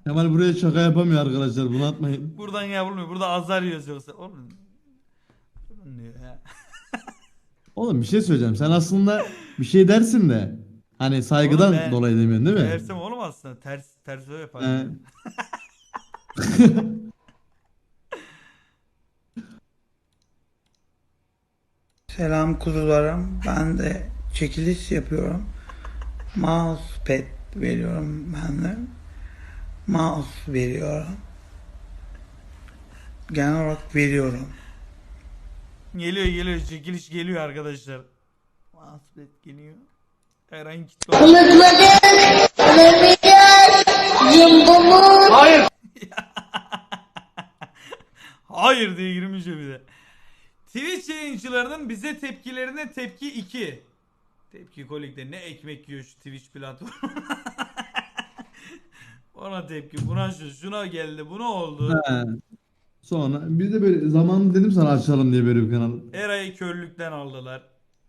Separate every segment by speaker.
Speaker 1: Kemal buraya şaka yapamıyor arkadaşlar, bunu atmayın.
Speaker 2: Buradan yapılmıyor. Burada azar yiyoruz yoksa. Oğlum. Durun diyor ya.
Speaker 1: Oğlum bir şey söyleyeceğim. Sen aslında bir şey dersin de hani
Speaker 2: Oğlum
Speaker 1: saygıdan
Speaker 2: ben
Speaker 1: dolayı demiyorsun değil mi?
Speaker 2: Meğersem oğlum aslında ters öyle yaparım.
Speaker 1: He.
Speaker 2: Ya.
Speaker 3: Selam kuzularım. Ben de çekiliş yapıyorum. Mousepad veriyorum ben de. Mouse veriyorum. Genel olarak veriyorum.
Speaker 2: Geliyor çekiliş geliyor arkadaşlar. Mahsupet geliyor. Herhangi kitle olsun.
Speaker 4: Unutmadık, olamayacağız, yumbumuz.
Speaker 2: Hayır diye girmiş bir de. Twitch yayıncılarının bize tepkilerine tepki 2. Tepki kolikte ne ekmek yiyor şu Twitch platformu. Ona tepki, buna şuna geldi, buna oldu.
Speaker 1: He. Sonra biz de böyle zamanında dedim sana açalım diye böyle bir kanal.
Speaker 2: Eray'ı körlükten aldılar.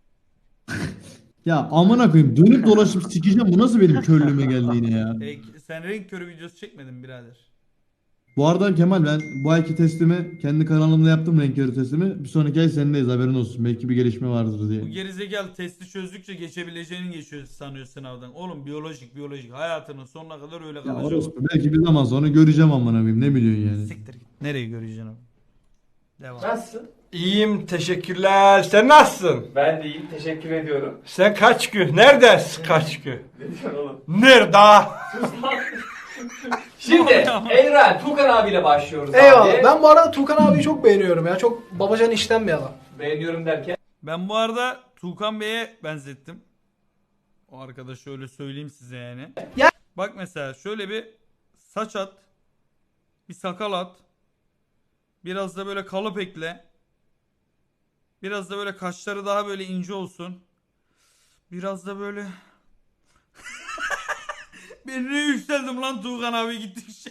Speaker 1: Ya amına koyayım, dönüp dolaşıp sikeceğim, bu nasıl benim körlüğüme geldi yine ya.
Speaker 2: Sen renk körü videosu çekmedin birader.
Speaker 1: Bu arada Kemal, ben bu ayki testimi kendi kanalımda yaptım, renk körü testimi. Bir sonraki ay senindeyiz, haberin olsun. Belki bir gelişme vardır
Speaker 2: Bu
Speaker 1: diye.
Speaker 2: gerizekalı testi çözdükçe geçebileceğini geçiyor sanıyor sınavdan. Oğlum biyolojik hayatının sonuna kadar öyle
Speaker 1: Ya
Speaker 2: kalacak.
Speaker 1: orospu, belki bir zaman sonra göreceğim amına koyayım, ne biliyorsun yani.
Speaker 2: Siktir git. Nereye göreceksin abi? Devam.
Speaker 5: Nasılsın?
Speaker 6: İyiyim, teşekkürler. Sen nasılsın?
Speaker 5: Ben de iyiyim. Teşekkür ediyorum.
Speaker 6: Sen kaç gün? Neredesin kaç gün?
Speaker 5: Ne diyorsun oğlum?
Speaker 6: Nerede?
Speaker 5: Şimdi Evren, Tukan abiyle başlıyoruz
Speaker 7: Eyvallah.
Speaker 5: abi.
Speaker 7: Ben bu arada Tukan abiyi çok beğeniyorum ya. Çok babacan işten bir adam.
Speaker 5: Beğeniyorum derken.
Speaker 2: Ben bu arada Tuğkan Bey'e benzettim. O arkadaşı öyle söyleyeyim size yani.
Speaker 7: Ya-
Speaker 2: Bak mesela şöyle bir saç at. Bir sakal at. Biraz da böyle kalıp ekle. Biraz da böyle kaşları daha böyle ince olsun. Biraz da böyle... Ben ne yükseldim lan Tuğkan abi gittikçe.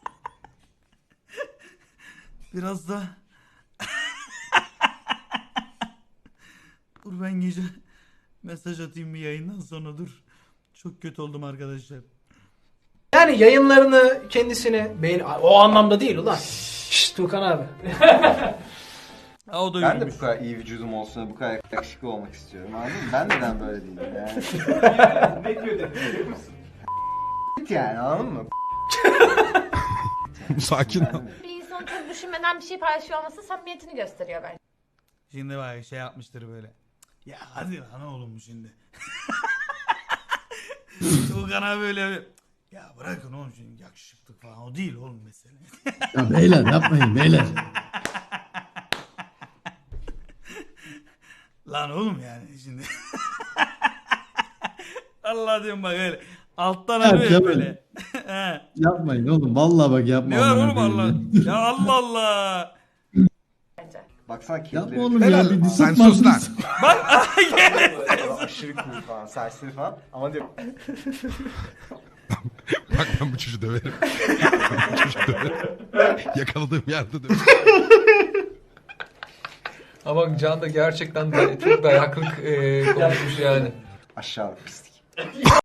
Speaker 2: Biraz da... Dur ben gece mesaj atayım bir yayından sonra dur. Çok kötü oldum arkadaşlar.
Speaker 7: Yani yayınlarını kendisine beğen... O anlamda değil ulan. Şşş Tukan abi.
Speaker 2: Ha, o da
Speaker 8: Ben de
Speaker 2: yürümüş.
Speaker 8: bu kadar iyi vücudum olsun, bu kadar yakışıklı olmak istiyorum. Anladın mı? Ben neden böyle değilim yani?
Speaker 5: Ne diyor dedi biliyor musun?
Speaker 8: Yani anladın mı?
Speaker 9: Sakin ol.
Speaker 10: Bir insan çok düşünmeden bir şey paylaşıyor olması samimiyetini gösteriyor bence.
Speaker 2: Şimdi bak şey yapmıştır böyle. Ya hadi lan oğlum şimdi. Tuğkan abi böyle bir... Ya bırakın oğlum şimdi yakışıklık falan o değil oğlum mesele.
Speaker 1: Ya beyler yapmayın beyler.
Speaker 2: Lan oğlum yani şimdi. Allah diyorum bak öyle. Alttan
Speaker 1: Ya
Speaker 2: arıyor ya
Speaker 1: Kemal.
Speaker 2: böyle. He.
Speaker 1: Yapmayın oğlum, vallahi bak yapma.
Speaker 2: Ne var
Speaker 1: amına
Speaker 2: oğlum
Speaker 1: koyayım
Speaker 2: Allah?
Speaker 1: ya.
Speaker 2: Ya Allah Allah.
Speaker 8: Baksana
Speaker 1: Yapma
Speaker 8: kirleri.
Speaker 1: oğlum ya, bir
Speaker 9: Sen
Speaker 1: disipman.
Speaker 9: sus lan.
Speaker 2: Bak gel.
Speaker 8: Aşırı cool falan, saçları falan. Ama diyor
Speaker 9: Bak ben bu çocuğu döverim. Ben bu çocuğu döverim. Yakaladığım yerde döverim.
Speaker 11: Ama Can da gerçekten çok dayaklık konuşmuş yani.
Speaker 8: aşağılık pislik.